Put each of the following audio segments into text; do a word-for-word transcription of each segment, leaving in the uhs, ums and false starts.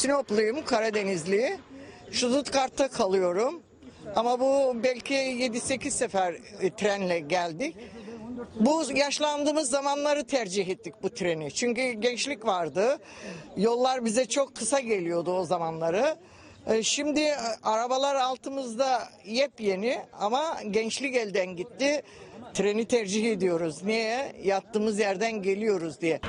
Sinopluyum, Karadenizli. Stuttgart'ta kalıyorum. Ama bu belki yedi sekiz sefer e, trenle geldik. Bu yaşlandığımız zamanları tercih ettik bu treni. Çünkü gençlik vardı. Yollar bize çok kısa geliyordu o zamanları. E, Şimdi e, arabalar altımızda yepyeni ama gençlik elden gitti. Treni tercih ediyoruz. Niye? Yattığımız yerden geliyoruz diye.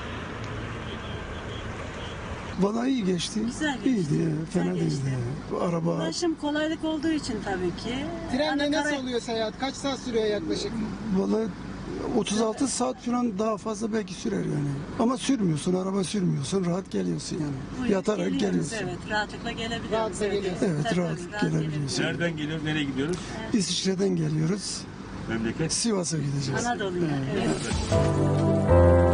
Bana iyi geçti. Güzel geçti. İyiydi, fena Güzel geçti. değildi. Bu araba Ulaşım kolaylık olduğu için tabii ki. Trenle Ana nasıl kara- oluyor seyahat? Kaç saat sürüyor yaklaşık? vallahi otuz altı saat falan daha fazla belki sürer yani. Ama sürmüyorsun, araba sürmüyorsun, rahat geliyorsun yani. Buyurun, Yatarak geliyoruz, geliyorsun. Evet, rahatlıkla gelebiliyoruz. Rahatla geliyorsun. Evet, Tabii, rahat rahat gelebiliyorsun. Nereden geliyoruz, nereye gidiyoruz? İsviçre'den geliyoruz. Memleket. Sivas'a gideceğiz. Anadolu'ya. Evet.